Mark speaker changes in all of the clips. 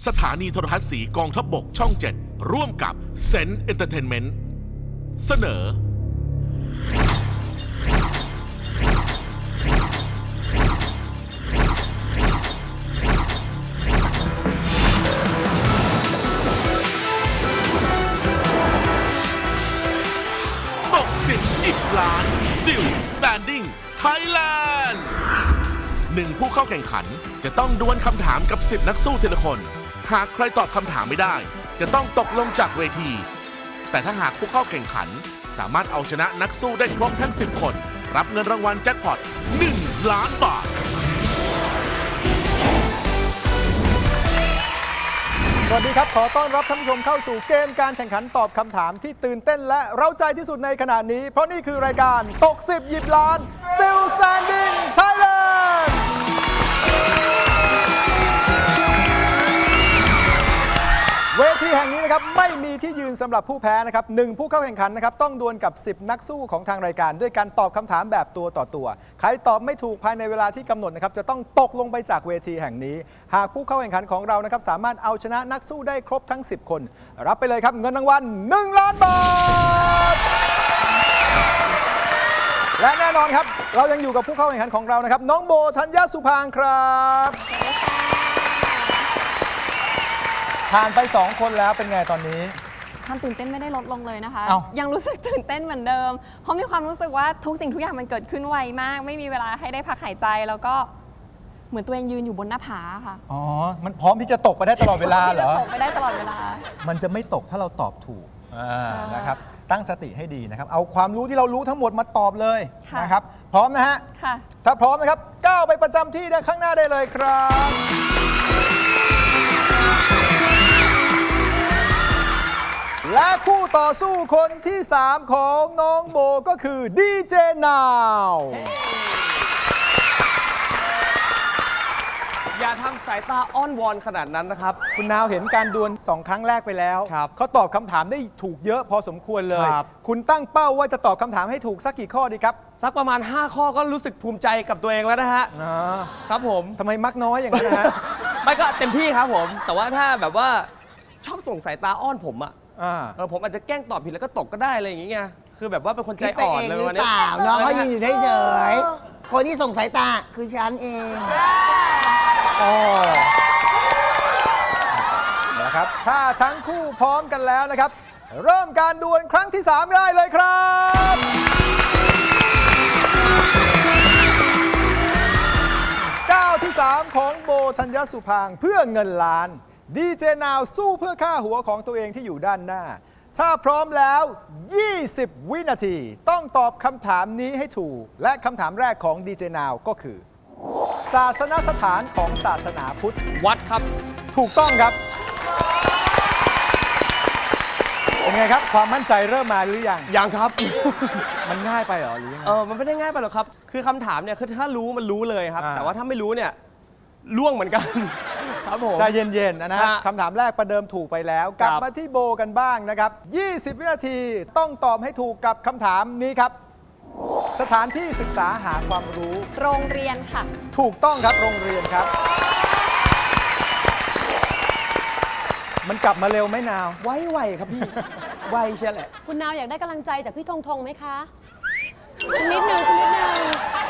Speaker 1: สถานีโทรทัศน์สีกองทัพบกช่อง 7 ร่วมกับเซนเอนเตอร์เทนเมนต์เสนอตก10 10 ล้าน Still Standing Thailand 1 ผู้เข้าแข่งขันจะต้องดวลคำถามกับ10 นักสู้ทีละคน หากใครตอบคำถามไม่ได้จะต้องตกลงจากเวที แต่ถ้าหากผู้เข้าแข่งขันสามารถเอาชนะนักสู้ได้ครบทั้ง10 คนรับเงินรางวัลแจ็คพอต1 ล้านบาท
Speaker 2: สวัสดีครับขอต้อนรับท่านผู้ชมเข้าสู่เกมการแข่งขันตอบคำถามที่ตื่นเต้นและเร้าใจที่สุดในขณะนี้เพราะนี่คือรายการตก10 หยิบล้าน Still Standing Thailandเวทีแห่งนี้นะครับไม่มีที่ยืนสำหรับผู้แพ้นะครับ1ผู้เข้าแข่งขันนะครับต้องดวลกับ10 นักสู้ของทางรายการด้วยการตอบคำถามแบบตัวต่อตัวใครตอบไม่ถูกภายในเวลาที่กำหนดนะครับจะต้องตกลงไปจากเวทีแห่งนี้หากผู้เข้าแข่งขันของเรานะครับสามารถเอาชนะนักสู้ได้ครบทั้ง10 คนรับไปเลยครับเงินรางวัล1 ล้านบาทและแน่นอนครับเรายังอยู่กับผู้เข้าแข่งขันของเรานะครับน้องโบธัญญสุภางค์ครับผ่านไป2 คนแล้วเป็นไงตอนนี้
Speaker 3: ความตื่นเต้นไม่ได้ลดลงเลยนะคะ
Speaker 2: เอ้า
Speaker 3: ยังรู้สึกตื่นเต้นเหมือนเดิมเพราะมีความรู้สึกว่าทุกสิ่งทุกอย่างมันเกิดขึ้นไวมากไม่มีเวลาให้ได้พักหายใจแล้วก็เหมือนตัวเองยืนอยู่บนหน้าผาค่ะ
Speaker 2: อ๋อมันพร้อมที่จะตกไปได้ตลอดเวลาเหรอ
Speaker 3: ตกไปได้ตลอดเวลา
Speaker 2: มันจะไม่ตกถ้าเราตอบถูกนะครับตั้งสติให้ดีนะครับเอาความรู้ที่เรารู้ทั้งหมดมาตอบเลยนะครับพร้อมนะฮะ
Speaker 3: ค่ะ
Speaker 2: ถ้าพร้อมนะครับก้าวไปประจำที่ด้านข้างหน้าได้เลยครับและคู่ต่อสู้คนที่ 3 ของน้องโบก็คือดีเจนาว
Speaker 4: อย่าทำสายตาอ้อนวอนขนาดนั้นนะครับ
Speaker 2: คุณนาวเห็นการดวล2 ครั้งแรกไปแล้วเขาตอบคำถามได้ถูกเยอะพอสมควรเลยคุณตั้งเป้าว่าจะตอบคำถามให้ถูกสักกี่ข้อดีครับ
Speaker 4: สักประมาณ5 ข้อก็รู้สึกภูมิใจกับตัวเองแล้วนะฮะครับผม
Speaker 2: ทำไมมักน้อยอย่างนั้นนะฮะ
Speaker 4: ไม่ก็เต็มที่ครับผมแต่ว่าถ้าแบบว่าชอบส่งสายตาอ้อนผมอะผมอาจจะแกล้งตอบผิดแล้วก็ตกก็ได้อะไรอย่างเงี้ยคือแบบว่าเป็นคนใจอ่อนเลยวันนี้
Speaker 5: น้องเขายืนอยู่เฉยๆคนที่ส่งสายตาคือฉันเอง
Speaker 2: นะครับถ้าทั้งคู่พร้อมกันแล้วนะครับเริ่มการดวลครั้งที่ 3 ได้เลยครับก้าวที่ 3 ของโบธัญญสุภางค์เพื่อเงินล้านดีเจนาวสู้เพื่อค่าหัวของตัวเองที่อยู่ด้านหน้าถ้าพร้อมแล้ว20 วินาทีต้องตอบคำถามนี้ให้ถูกและคำถามแรกของดีเจนาวก็คือศาสนสถานของศาสนาพุทธ
Speaker 4: วัดครับ
Speaker 2: ถูกต้องครับเป็นไงครับความมั่นใจเริ่มมาหรือยัง
Speaker 4: ยังครับ
Speaker 2: มันง่ายไปเหรอหรือยังไง
Speaker 4: มันไม่ได้ง่ายไปหรอกครับคือคำถามเนี่ยคือถ้ารู้มันรู้เลยครับแต่ว่าถ้าไม่รู้เนี่ยล่วงเหมือนกันครับผม
Speaker 2: ใจเย็นๆนะฮะคำถามแรกประเดิมถูกไปแล้วกลับมาที่โบกันบ้างนะครับ20 วินาทีต้องตอบให้ถูกกับคำถามนี้ครับสถานที่ศึกษาหาความรู้
Speaker 3: โรงเรียนค่ะ
Speaker 2: ถูกต้องครับโรงเรียนครับมันกลับมาเร็วไหมนาว
Speaker 4: ไวครับพี่ไวเชียวแหละ
Speaker 6: คุณนาวอยากได้กำลังใจจากพี่ธงไหมคะสักนิดนึงสักนิดนึง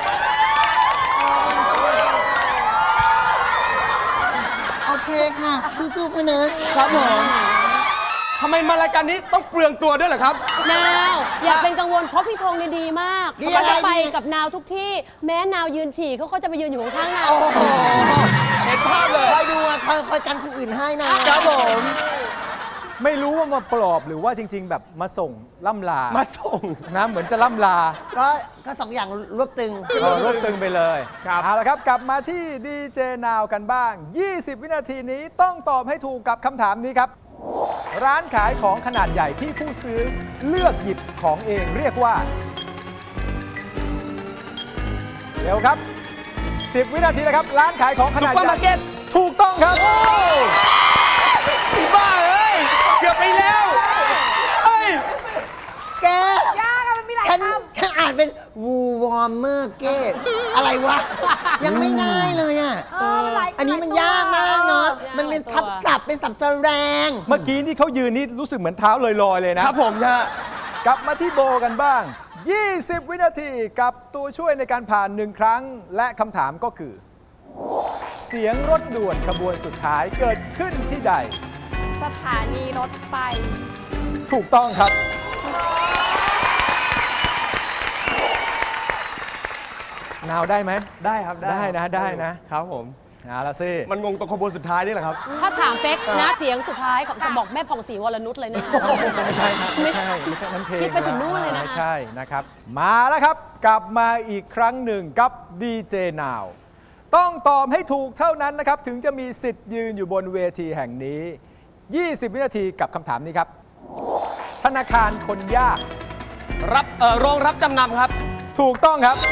Speaker 5: โอเคค่ะสู้ๆค่ะเนอะ
Speaker 4: ครับผมทำไมมารายการนี้ต้องเปลืองตัวด้วยเหรอครับ
Speaker 6: นาวอย่าเป็นกังวลเพราะพี่ธงเนี่ยดีมากเขาจะไปกับนาวทุกที่แม้นาวยืนฉี่เขาก็จะไปยืนอยู่ข้างๆนาว
Speaker 4: เห็นภาพเลย
Speaker 5: คอยดูคอยกันคนอื่นให้นะครับ
Speaker 4: ผม
Speaker 2: ไม่รู้ว่ามาปลอบหรือว่าจริงๆแบบมาส่งล่ำลา
Speaker 4: มาส่ง
Speaker 2: นะเหมือนจะล่ำลา
Speaker 5: ก็2 อย่างรวบตึง
Speaker 2: รวบตึงไปเลยเอาละครับกลับมาที่ดีเจนาวกันบ้าง20 วินาทีนี้ต้องตอบให้ถูกกับคำถามนี้ครับร้านขายของขนาดใหญ่ที่ผู้ซื้อเลือกหยิบของเองเรียกว่าเร็วครับ10 วินาทีนะครับร้านขายของขนาดใหญ่ซุปเปอร์มาร์เก็ตถูกต้องครับ
Speaker 4: บ้าเลยเกือบไปแล้ว
Speaker 5: แกยากมันมีหลายคำฉันอ่านเป็นวูวอร์เมอร์เกตอะไรวะ ยังไม่ได้เลยอ่ะ อันนี้มันยากมากเนาะ มันเป็นทับศัพท์เป็นศัพท์แสดง
Speaker 2: เมื่อกี้ที่เขายืนนี่รู้สึกเหมือนเท้าลอยๆเลยนะครับ
Speaker 4: ผมฮะ
Speaker 2: กลับมาที่โบกันบ้าง 20 วินาทีกับตัวช่วยในการผ่าน1 ครั้ง และคำถามก็คือ เสียงรถด่วนขบวนสุดท้ายเกิดขึ้นที่ใด
Speaker 3: สถานีรถไฟ
Speaker 2: ถูกต้องครับ นาวได้ไหม
Speaker 4: ได้ครับ
Speaker 2: ได้นะได้นะ
Speaker 4: ครับผม
Speaker 2: เอาละสิ
Speaker 4: มันงงตรงขบวนสุดท้ายนี่แหละครับ
Speaker 6: ถ้าถามเป๊กนะเสียงสุดท้ายของจะบอกแม่ผ่องศรีวรนุชเลยนะ
Speaker 2: ไม่ใช่ครับไม่ใช่นั้นเพลง
Speaker 6: คิดไปถึงนู่นเลยนะคะ
Speaker 2: ไม่ใช่นะครับ มาแล้วครับ กลับมาอีกครั้งหนึ่งกับดีเจนาวต้องตอบให้ถูกเท่านั้นนะครับ ถึงจะมีสิทธิ์ยืนอยู่บนเวทีแห่งนี้ 20 วินาทีกับคำถามนี้ครับ ธนาคารคนยาก
Speaker 4: โรงรับจำนำครับ
Speaker 2: ถูกต้องครับ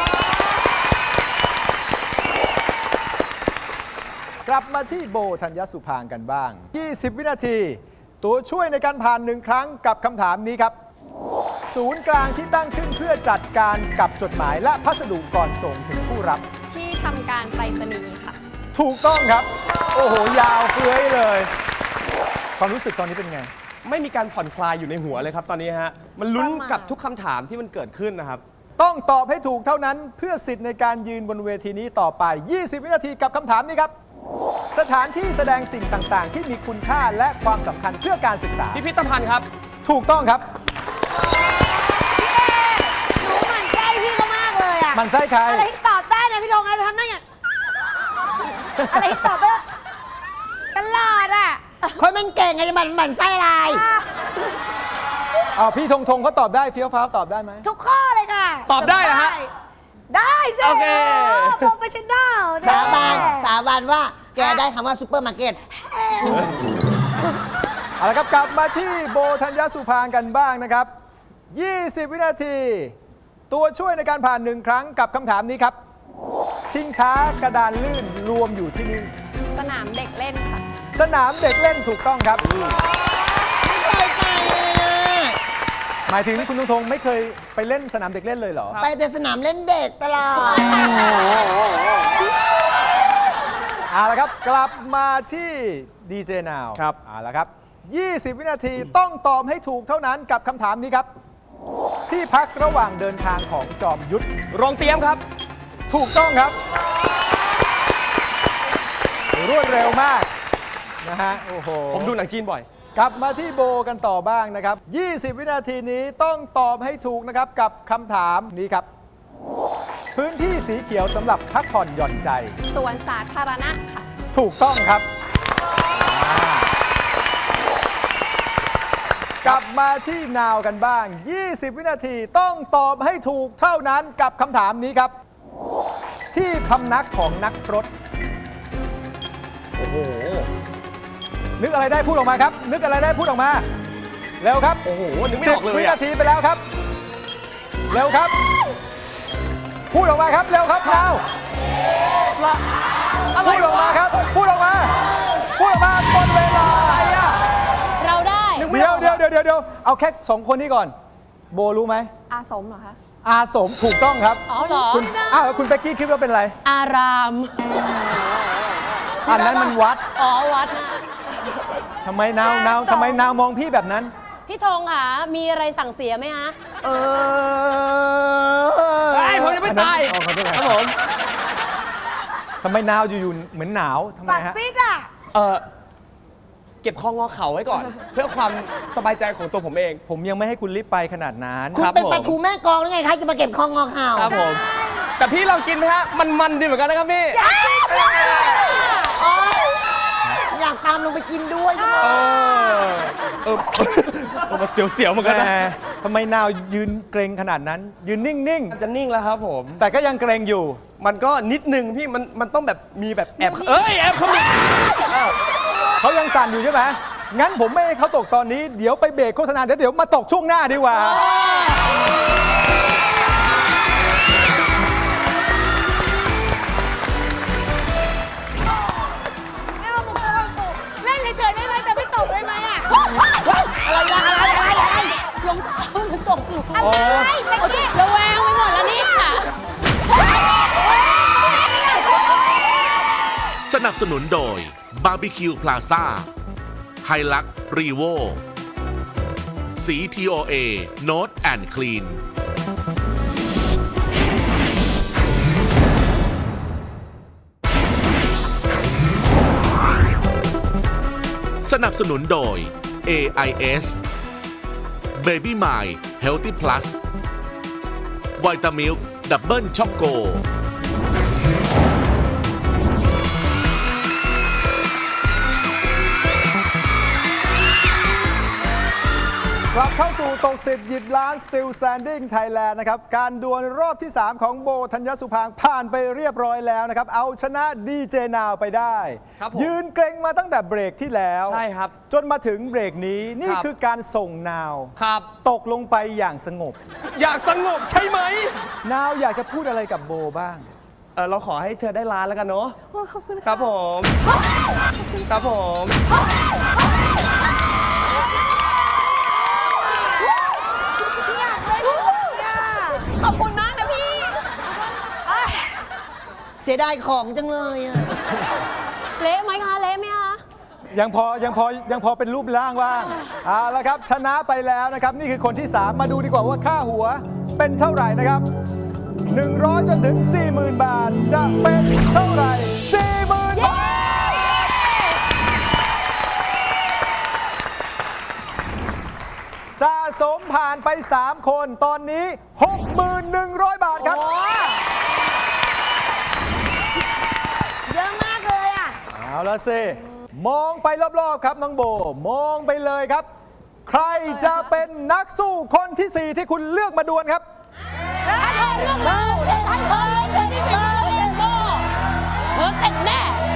Speaker 2: กลับมาที่โบธัญญสุพางค์กันบ้าง 20 วินาที ตัวช่วยในการผ่าน1 ครั้งกับคำถามนี้ครับ ศูนย์กลางที่ตั้งขึ้นเพื่อจัดการกับจดหมายและพัสดุก่อนส่งถึงผู้รับ
Speaker 3: ที่ทำการไปรษณีย์ค่ะ
Speaker 2: ถูกต้องครับ โอ้โห ยาวเฟื้อยเลย ความรู้สึกตอนนี้เป็นไง
Speaker 4: ไม่มีการผ่อนคลายอยู่ในหัวเลยครับตอนนี้ฮะ มันลุ้นกับทุกคำถามที่มันเกิดขึ้นนะครับ
Speaker 2: ต้องตอบให้ถูกเท่านั้นเพื่อสิทธิ์ในการยืนบนเวทีนี้ต่อไป 20 วินาทีกับคำถามนี้ครับ สถานที่แสดงสิ่งต่างๆ ที่มีคุณค่าและความสำคัญเพื่อการศึกษา
Speaker 4: พิพิธภัณฑ์ครับ
Speaker 2: ถูกต้องครับ
Speaker 7: หนูหมั่นไส้พี่ก็มากเลยอ่ะ
Speaker 2: มันไส้ใคร
Speaker 7: อะไรที่ตอบได้นะพี่ธงจะทำได้อย่างอะไรที่ตอบได้ตลอดอ่ะ
Speaker 5: คนมันเก่งไงจะหมั่นไส้อะไร
Speaker 2: พี่ธงธงเขาตอบได้เฟี้ยวฟ้าวตอบได้ไหม
Speaker 7: ทุกข้อเลยค่ะ
Speaker 4: ตอบได้เหรอฮะ
Speaker 7: ได้สิ
Speaker 4: โอเค
Speaker 7: โปรเฟชชั่นแนล
Speaker 5: สาบานว่าแกได้คำว่าซูเปอร์มาร์เก็ต
Speaker 2: เอาละครับกลับมาที่โบธัญญสุพางค์กันบ้างนะครับ 20 วินาที ตัวช่วยในการผ่าน1 ครั้งกับคำถามนี้ครับ ชิงช้ากระดานลื่นรวมอยู่ที่นี่
Speaker 3: สนามเด็กเล่นค่ะ
Speaker 2: สนามเด็กเล่นถูกต้องครับ หมายถึงคุณธงไม่เคยไปเล่นสนามเด็กเล่นเลยเหรอ
Speaker 5: ไปแต่สนามเล่นเด็กตลอด
Speaker 2: เอาละครับกลับมาที่ดีเจนาว
Speaker 4: ครับ
Speaker 2: เอาละครับ 20 วินาทีต้องตอบให้ถูกเท่านั้นกับคำถามนี้ครับ ที่พักระหว่างเดินทางของจอมยุทธ
Speaker 4: โรงเตรียมครับ
Speaker 2: ถูกต้องครับ รวดเร็วมากนะฮะโอ้โห
Speaker 4: ผมดูหนังจีนบ่อย
Speaker 2: กลับมาที่โบกันต่อบ้างนะครับ 20 วินาทีนี้ต้องตอบให้ถูกนะครับกับคำถามนี้ครับ พื้นที่สีเขียวสำหรับพักผ่อนหย่อนใจ
Speaker 3: สวนสาธารณะค่ะ
Speaker 2: ถูกต้องครับ กลับมาที่นาวกันบ้าง 20 วินาทีต้องตอบให้ถูกเท่านั้นกับคำถามนี้ครับ ที่พำนักของนักพรต
Speaker 4: โอ้โห
Speaker 2: นึกอะไรได้พูดออกมาครับ นึกอะไรได้พูดออกมา เร็วครับ
Speaker 4: โอ้โห นึกไม่ออกเลย
Speaker 2: 10 วิ
Speaker 4: อะ
Speaker 2: นาทีไปแล้วครับ เร็วครับ พูดออกมาครับ เร็วครับนาวพูดออกมาครับ พูดออกมา พูดออกมาหมดเวลา
Speaker 6: เราได้
Speaker 2: เดี๋ยวเอาแค่ 2 คนนี้ก่อน โบรู้ไหม
Speaker 3: อาสมเหรอคะ
Speaker 2: อาสมถูกต้องครับ
Speaker 6: อ๋อเหรอ
Speaker 2: คุณแล้วคุณเป๊กกี้คิดว่าเป็นอะไร
Speaker 6: อาราม
Speaker 2: อันนั้นมันวัด
Speaker 6: อ๋อวัดนะ
Speaker 2: ทำไมนาวมองพี่แบบนั้น
Speaker 6: พี่ธงค่ะ มีอะไรสั่งเสียไหมฮะ
Speaker 4: ไอ้ยผมยังไม่ตาย
Speaker 2: อันนั้นขอโทษ
Speaker 4: ครับผม
Speaker 2: ทำไมนาวอยู่ๆเหมือนหนาวทำไม
Speaker 7: ปาก
Speaker 2: ฮะ
Speaker 7: ซิดอ่ะ
Speaker 4: เก็บคองอเข่าไว้ก่อน เพื่อความสบายใจของตัวผมเอง
Speaker 2: ผมยังไม่ให้คุณรีบไปขนาดนั้น
Speaker 5: คุณ
Speaker 4: ครับ
Speaker 5: เป็น
Speaker 4: ผม
Speaker 5: ปลาทูแม่กลองหรือไงคะจะมาเก็บคองงอข่าว
Speaker 4: ครับผม แต่พี่ลองกินไหมฮะ มันดีเหมือนกันนะครับพี่
Speaker 5: อยากตามลงไปกินด้วย
Speaker 4: มันเสียวๆเหมือนกันนะ
Speaker 2: แหมทำไมนาวยืนเกรงขนาดนั้น ยืนนิ่ง
Speaker 4: จะนิ่งแล้วครับผม
Speaker 2: ๆ แต่ก็ยังเกรงอยู่
Speaker 4: มันก็นิดนึงพี่ มันต้องแบบมีแบบแอบแอบเขามี
Speaker 2: เขายังสั่นอยู่ใช่ไหมงั้นผมไม่ให้เขาตกตอนนี้ เดี๋ยวไปเบรกโฆษณาเดี๋ยวมาตกช่วงหน้าดีกว่า
Speaker 7: ไม่เอาบุกเข้าบุกเล่นเฉยๆได้ไหมแต่ไม่ตกได้ไหมอ่ะ
Speaker 6: รองเท้ามันตกหลุม
Speaker 7: อะไรไปกี้
Speaker 6: ระแวงไปหมดแล้วนี่ค่ะ
Speaker 1: นับสนุนโดย Barbecue Plaza ไฮลักรีโวสี TOA Note and Clean สนับสนุนโดย AIS Baby My Healthy Plus Vitamilk Double Choco
Speaker 2: กลับเข้าสู่ตก10หยิบล้าน Still Standing Thailand นะครับการดวลรอบที่ 3 ของโบธัญญสุภางค์ผ่านไปเรียบร้อยแล้วนะครับเอาชนะดีเจนาวไปได้
Speaker 4: ครับผม
Speaker 2: ยืนเกรงมาตั้งแต่เบรกที่แล้ว
Speaker 4: ใช่ครับ
Speaker 2: จนมาถึงเบรกนี้นี่
Speaker 4: ครับ
Speaker 2: คือการส่งนาว
Speaker 4: ครับ
Speaker 2: ตกลงไปอย่างสงบ
Speaker 4: อยากสงบใช่ไหม
Speaker 2: นาวอยากจะพูดอะไรกับโบบ้าง
Speaker 4: เราขอให้เธอได้ล้านแล้วกันเนาะ
Speaker 3: โอ้ขอบคุณ
Speaker 4: ครับผม ครับผม
Speaker 3: ขอบคุณมากนะพี่
Speaker 5: เสียดายของจังเลยอะ
Speaker 6: เละไหมคะเละไหมคะ
Speaker 2: ยังพอเป็นรูปร่างว่างเอาละครับชนะไปแล้วนะครับนี่คือคนที่ 3 มาดูดีกว่าว่าค่าหัวเป็นเท่าไหร่นะครับ100จนถึง 40,000 บาทจะเป็นเท่าไหร่ 40,000 บาทสะสมผ่านไป 3 คนตอนนี้ 6,100 บาทครับ
Speaker 7: เยอะมากเลยอ่ะ
Speaker 2: เอาละสิมองไปรอบๆครับน้องโบ มองไปเลยครับ ใครจะเป็นนักสู้คนที่ 4 ที่คุณเลือกมาดวลครับ
Speaker 6: ถ้าเธอเรื่องเราจะให้เธอฉันไม่เป็นเรียนโบเธอเสร็จแน่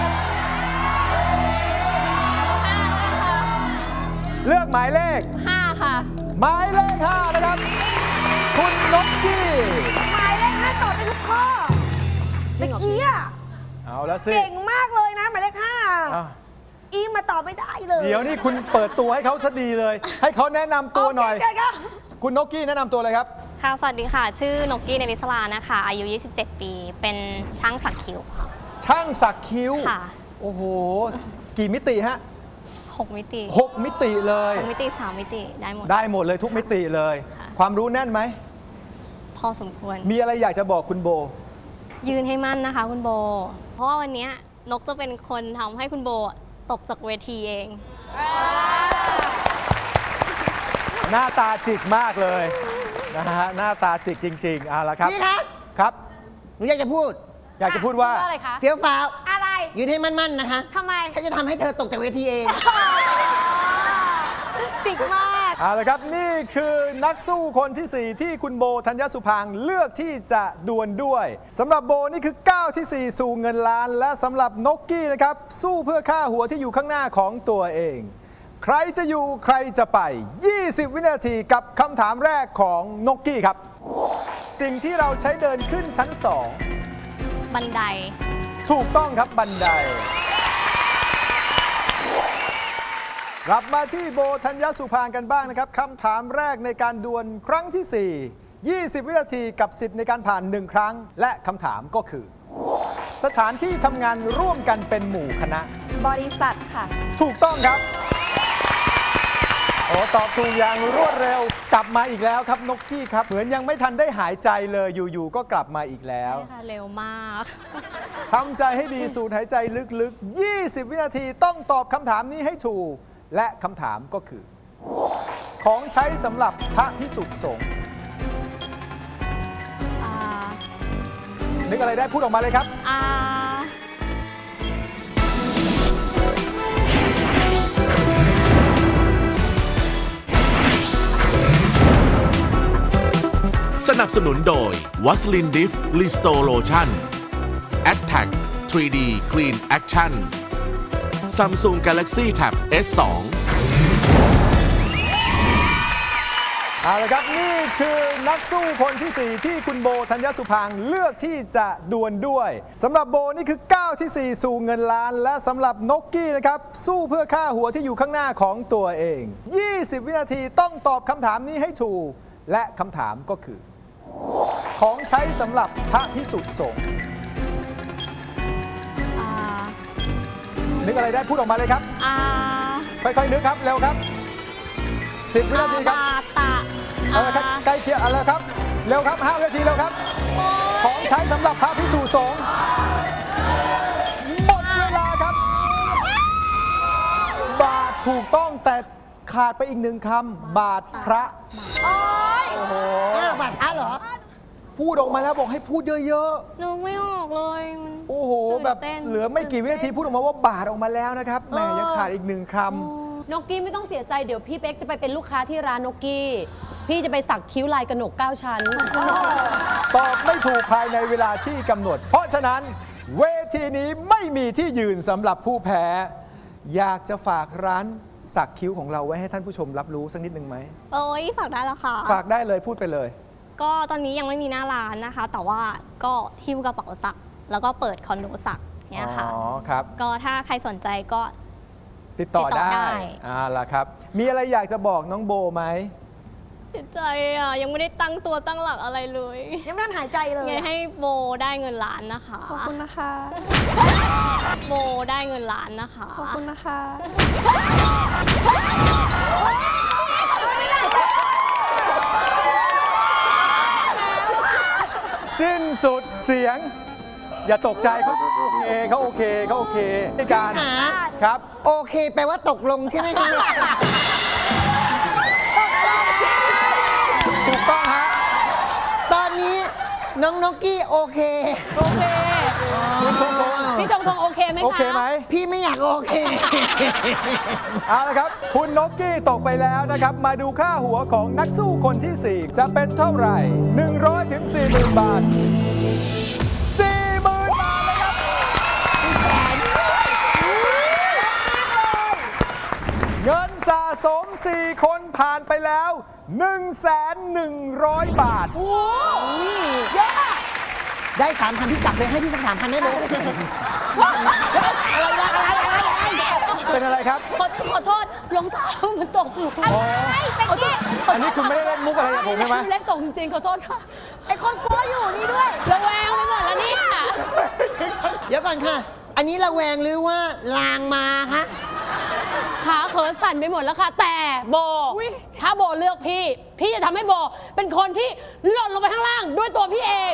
Speaker 2: เลือกหมายเลข
Speaker 3: 5 ค่ะ
Speaker 2: หมายเลข 5 นะครับ คุณนกกี้
Speaker 7: หมายเลข5ตอบได้ทุกข้อเมื่อกี้อ่ะ
Speaker 2: เอาละสิ
Speaker 7: เก่งมากเลยนะหมายเลข5
Speaker 2: อ่ะ
Speaker 7: อีมาตอบไม่ได้เลย
Speaker 2: เดี๋ยวนี่คุณเปิดตัวให้เขาซะดีเลย ให้เขาแนะนำตัวหน่อย
Speaker 7: โเคค่ะ
Speaker 2: คุณนกกี้แนะนำตัวเลยครับ
Speaker 8: ค่ะ สวัสดีค่ะ ชื่อนกกี้เนลิสลานะคะ อายุ 27 ปี เป็นช่างสักคิ้วค่ะ
Speaker 2: ช่างสักคิ้ว
Speaker 8: ค่ะ
Speaker 2: โอ้โห กี่มิติฮะ
Speaker 8: 6 มิติ
Speaker 2: 6 มิติเลย
Speaker 8: 6 มิติ 3 มิติ ได้หมด
Speaker 2: ได้หมดเลยทุกมิติเลย
Speaker 8: ค่ะ
Speaker 2: ความรู้แน่นไหม
Speaker 8: พอสมควร
Speaker 2: มีอะไรอยากจะบอกคุณโบ
Speaker 8: ยืนให้มั่นนะคะคุณโบ เพราะว่าวันนี้นกจะเป็นคนทำให้คุณโบตกจากเวทีเอง
Speaker 2: หน้าตาจิกมากเลยนะฮะหน้าตาจิกจริงๆเอาละครับ
Speaker 5: พี่ครับ
Speaker 2: ครับ
Speaker 5: หนูอยากจะพูด
Speaker 2: อยากจะพูดว่า
Speaker 6: ว่าอะไรคะ
Speaker 5: เฟี้ยวฟ้าว
Speaker 7: อะไร
Speaker 5: ยืนให้มั่นๆนะคะ
Speaker 7: ทำไม
Speaker 5: ฉันจะทำให้เธอตกจากเวทีเอง
Speaker 7: จิกมาก
Speaker 2: เอาละครับนี่คือนักสู้คนที่ 4 ที่คุณโบธัญญสุภางค์เลือกที่จะดวลด้วยสำหรับโบนี่คือก้าวที่ 4 สู่เงินล้าน และสำหรับนกกี้นะครับสู้เพื่อค่าหัวที่อยู่ข้างหน้าของตัวเอง ใครจะอยู่ใครจะไป 20 วินาทีกับคำถามแรกของนกกี้ครับ สิ่งที่เราใช้เดินขึ้นชั้น
Speaker 8: บันได
Speaker 2: 2 ถูกต้องครับบันได กลับมาที่โบธัญญสุภางค์กันบ้างนะครับคำถามแรกในการดวลครั้งที่ 4 20 วินาทีกับสิทธิ์ในการผ่าน 1 ครั้ง และคำถามก็คือ สถานที่ทำงานร่วมกันเป็นหมู่คณะ
Speaker 3: บริษัทค่ะ
Speaker 2: ถูกต้องครับโอ้ตอบถูกอย่างรวดเร็วกลับมาอีกแล้วครับนกกี้ครับเหมือนยังไม่ทันได้หายใจเลยอยู่ๆก็กลับมาอีกแล้ว
Speaker 8: ใช่ค่ะ เร็วมาก
Speaker 2: ทำใจให้ดีสูดหายใจลึกๆ 20 วินาทีต้องตอบคำถามนี้ให้ถูก และคำถามก็คือ ของใช้สำหรับพระภิกษุสงฆ์
Speaker 8: อ่า
Speaker 2: นึกอะไรได้พูดออกมาเลยครับ
Speaker 1: สนับสนุนโดยวัสลินดิฟลิสโตโลชั่น Attack 3D Clean Action Samsung Galaxy Tab S2
Speaker 2: เอาละครับนี่คือนักสู้คนที่ 4 ที่คุณโบธัญญสุภางค์เลือกที่จะดวลด้วยสำหรับโบนี่คือก้าวที่ 4 สู่เงินล้าน และสำหรับนกกี้นะครับสู้เพื่อค่าหัวที่อยู่ข้างหน้าของตัวเอง 20 วินาทีต้องตอบคำถามนี้ให้ถูก และคำถามก็คือ ของใช้สำหรับพระภิกษุสงฆ์
Speaker 8: อ่า
Speaker 2: นึกอะไรได้พูดออกมาเลยครับ ค่อยๆนึกครับเร็วครับ10 วินาทีครับ
Speaker 8: บาตะ
Speaker 2: เอาละครับใกล้เคียงเอาละครับเร็วครับ5 วินาทีเร็วครับของใช้สำหรับพระภิกษุสงฆ์หมดเวลาครับ บาทถูกต้องแต่ขาดไปอีก1 คำบาทพระ
Speaker 7: โอ๊ย
Speaker 2: โอ้โห
Speaker 5: บัตรพระเหรอ
Speaker 2: พูดออกมาแล้วบอกให้พูดเยอะ
Speaker 8: นึกไม่ออกเลยมัน
Speaker 2: ๆ โอ้โห แบบ
Speaker 8: ตื่นเต้น
Speaker 2: เหลือไม่กี่วินาทีพูดออกมาว่าบาทออกมาแล้วนะครับแหมยังขาดอีก1 คำ
Speaker 6: นกกี้ไม่ต้องเสียใจเดี๋ยวพี่เป๊กจะไปเป็นลูกค้าที่ร้านนกกี้ พี่จะไปสักคิ้วลายกระหนก 9 ชั้น
Speaker 2: ตอบไม่ถูกภายในเวลาที่กำหนด เพราะฉะนั้นเวทีนี้ไม่มีที่ยืนสำหรับผู้แพ้ อยากจะฝากร้านสักคิ้วของเราไว้ให้ท่านผู้ชมรับรู้สักนิดนึงไหม
Speaker 8: โอ้ยฝากได้แล้วค่ะ
Speaker 2: ฝากได้เลยพูดไปเลย
Speaker 8: ก็ตอนนี้ยังไม่มีหน้าร้านนะคะ แต่ว่าก็หิ้วกระเป๋าสัก แล้วก็เปิดคอนโดสักเนี่ยค่ะ
Speaker 2: อ๋อครับ
Speaker 8: ก็ถ้าใครสนใจก็
Speaker 2: ติดต่อ
Speaker 8: ติดต่อ
Speaker 2: ได้
Speaker 8: ได้
Speaker 2: ล่ะครับ มีอะไรอยากจะบอกน้องโบไหม
Speaker 8: เสียใจอ่ะ ยังไม่ได้ตั้งตัวตั้งหลักอะไรเลย
Speaker 7: ยังไม่ทันหายใจเลย
Speaker 8: ไงให้โบได้เงินล้านนะคะ
Speaker 3: ขอบคุณนะคะ
Speaker 8: โบได้เงินล้านนะคะ
Speaker 3: ขอบคุณนะคะ
Speaker 2: สิ้นสุดเสียง อย่าตกใจเขาโอเคในการ
Speaker 5: หา
Speaker 2: ครับ
Speaker 5: โอเคแปลว่าตกลงใช่ไหมคะ
Speaker 2: ถูกต้องฮะ
Speaker 5: ตอนนี้น้องนกกี้โอเค
Speaker 6: โอเค
Speaker 2: คุณทง
Speaker 6: พี่จงทงโอเคไหมคะ
Speaker 2: โอเคไหม
Speaker 5: พี่ไม่อยากโอเค
Speaker 2: เอาละครับ คุณนกกี้ตกไปแล้วนะครับ มาดูค่าหัวของนักสู้คนที่ 4 จะเป็นเท่าไหร่ 100 ถึง 40,000 บาท 40,000 บาทเลยครับ เงินสะสม 4 คนผ่านไปแล้ว 1,100 บาท
Speaker 5: ได้3,000พี่กลับเลยให้พี่สัก3,000ได้ไหม
Speaker 2: เป็นอะไรครับ
Speaker 6: ขอโทษรองเท้ามันตกหลุม
Speaker 2: อ๋อ
Speaker 6: ขอโทษ
Speaker 2: อันนี้คุณไม่ได้เล่นมุกอะไรกับผมใช่ไหม
Speaker 6: เล่นตกจริงๆขอโทษค่ะ
Speaker 7: ไอคนกลัวอยู่นี่ด้วย
Speaker 6: ระแวงไปหมดแล้วเนี่ย
Speaker 5: เดี๋ยวก่อนค่ะ อันนี้ระแวงหรือว่าลางมาคะ
Speaker 6: ขาเขินสั่นไปหมดแล้วค่ะ แต่โบ ถ้าโบเลือกพี่ พี่จะทำให้โบเป็นคนที่หล่นลงไปข้างล่างด้วยตัวพี่เอง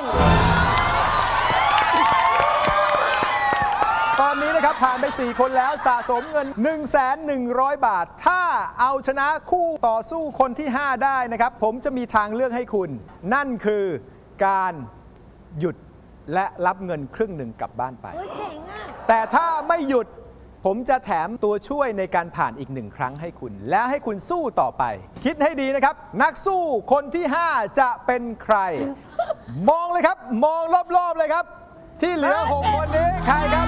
Speaker 2: ตอนนี้นะครับผ่านไป 4 คนแล้วสะสมเงิน 1,100 บาท ถ้าเอาชนะคู่ต่อสู้คนที่ 5 ได้นะครับ ผมจะมีทางเลือกให้คุณ นั่นคือการหยุดและรับเงินครึ่งหนึ่งกลับบ้านไป แต่ถ้าไม่หยุดผมจะแถมตัวช่วยในการผ่านอีก 1 ครั้งให้คุณ และให้คุณสู้ต่อไป คิดให้ดีนะครับ นักสู้คนที่ 5 จะเป็นใคร มองเลยครับ มองรอบๆเลยครับ ที่เหลือ 6 คนนี้ใครครับ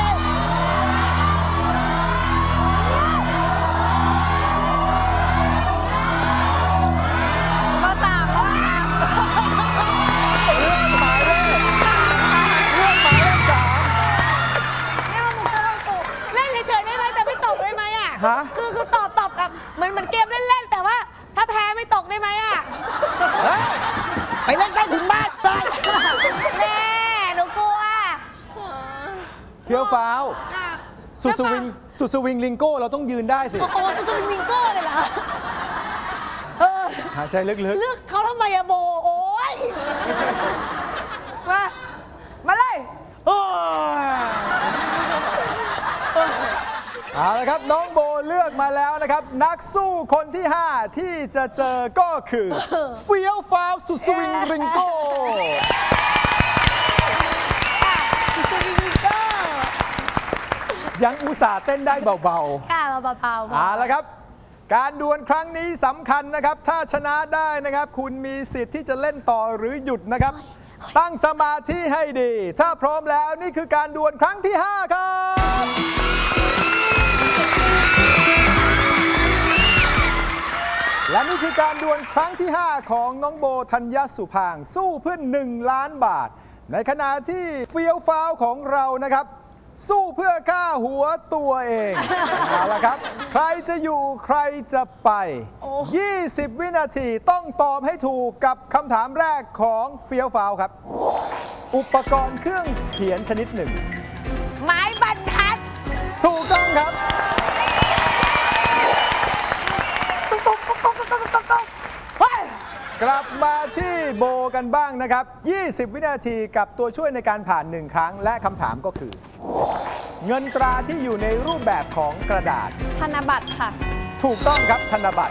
Speaker 3: ก็สามแล้วค่ะ
Speaker 2: เรื่องหมายเลข3
Speaker 7: ไม่เอาหนูกลัวตกเล่นเฉยๆได้ไหมแต่ไม่ตกได้ไหมอ่ะ
Speaker 2: ฮะ
Speaker 7: คือตอบแบบเหมือนเกมเล่นๆแต่ว่าถ้าแพ้ไม่ตกได้ไหมอ่ะ
Speaker 5: ไปเล่นใต้ถุนบ้านไป
Speaker 7: แม่หนูกลัว
Speaker 2: เฟี้ยวฟ้าว
Speaker 7: อ่ะ
Speaker 2: สุดสวิงลิงโก้เราต้องยืนได้สิ
Speaker 7: โอ้โหสุดๆมิงโก้เลยเหรอเออ
Speaker 2: หายใจลึก
Speaker 7: เลือกเขาทำไมอะโบ โอ้ยมาเลย
Speaker 2: ๆเอาละครับน้องโบเลือกมาแล้วนะครับ นักสู้คนที่ 5 ที่จะเจอก็คือเฟี้ยวฟ้าวสุดสวิงลิงโก้
Speaker 7: สุดๆมิงโก้
Speaker 2: ยังอุตส่าห์เต้นได้เบา
Speaker 7: กล้ามาเบา
Speaker 2: ๆเอาละครับ การดวลครั้งนี้สำคัญนะครับ ถ้าชนะได้นะครับ คุณมีสิทธิ์ที่จะเล่นต่อหรือหยุดนะครับ ตั้งสมาธิให้ดี ถ้าพร้อมแล้วนี่คือการดวลครั้งที่ 5 ครับ และนี่คือการดวลครั้งที่ 5 ของน้องโบธัญญสุพางค์สู้เพื่อ1 ล้านบาท ในขณะที่เฟี้ยวฟ้าวของเรานะครับ สู้เพื่อค่าหัวตัวเอง เอาละครับ ใครจะอยู่ใครจะไป 20 วินาทีต้องตอบให้ถูกกับคำถามแรกของเฟี้ยวฟ้าวครับ อุปกรณ์เครื่องเขียนชนิดหนึ่ง
Speaker 7: ๆไม้บรรทัด
Speaker 2: ถูกต้องครับ
Speaker 7: ตุ๊กตุ๊กตุ๊กตุ๊กตุ๊กตุ๊กตุ๊กเฮ้ย
Speaker 2: กลับมาที่โบกันบ้างนะครับ 20 วินาทีกับตัวช่วยในการผ่าน 1 ครั้ง และคำถามก็คือ เงินตราที่อยู่ในรูปแบบของกระดาษ
Speaker 3: ธนบัตรค่ะ
Speaker 2: ถูกต้องครับธนบัตร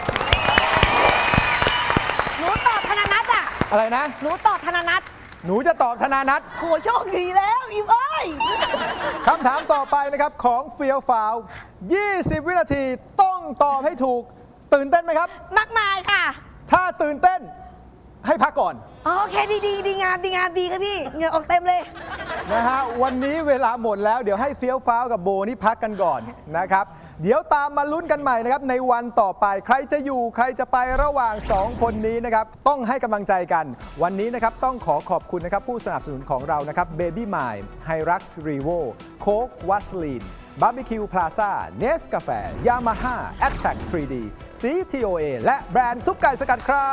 Speaker 7: หนูตอบธนานัทอ่ะ
Speaker 2: อะไรนะ
Speaker 7: หนูตอบธนานัท
Speaker 2: หนูจะตอบธนานัท
Speaker 7: โหโชคดีแล้วอิมเอ้ย
Speaker 2: คำถามต่อไปนะครับของเฟียวฟาว 20 วินาทีต้องตอบให้ถูก ตื่นเต้นไหมครับ
Speaker 7: มากมายค่ะ
Speaker 2: ถ้าตื่นเต้นให้พักก่อน
Speaker 7: โอเคดีงามดีครับพี่เหงื่อออกเต็มเลย
Speaker 2: นะฮะวันนี้เวลาหมดแล้วเดี๋ยวให้เฟี้ยวฟ้าวกับโบนี่พักกันก่อนนะครับ เดี๋ยวตามมาลุ้นกันใหม่นะครับในวันต่อไปใครจะอยู่ใครจะไประหว่าง 2 คนนี้นะครับต้องให้กำลังใจกัน วันนี้นะครับต้องขอขอบคุณนะครับผู้สนับสนุนของเรานะครับ Baby Mine Hilux Revo Coke Vaseline Barbecue Plaza Nescafe Yamaha Attack 3D CTOA และแบรนด์ซุปไก่สกัดครับ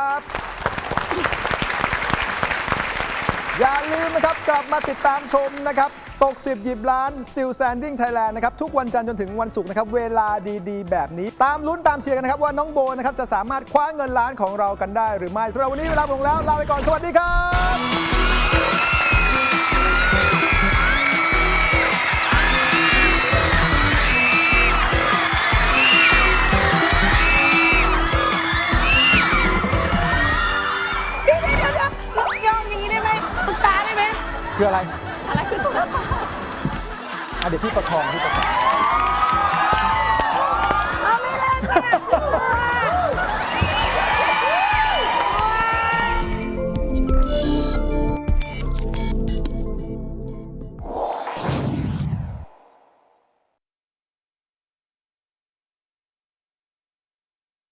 Speaker 2: อย่าลืมนะครับกลับมาติดตามชมนะครับตก 10 หยิบล้าน Still Standing Thailand นะครับทุกวันจันทร์จนถึงวันศุกร์นะครับเวลาดีๆ แบบนี้ตามลุ้นตามเชียร์กันนะครับว่าน้องโบนะครับจะสามารถคว้าเงินล้านของเรากันได้หรือไม่สำหรับวันนี้เวลาหมดลงแล้วลาไปก่อนสวัสดีครับ
Speaker 7: เดี๋ยวยอมอย่างนี้ได้ไหมตุ๊กตาได้ไหม
Speaker 2: คืออะไร
Speaker 3: อะไรคือตุ๊กตา
Speaker 2: เดี๋ยวพี่ประคอง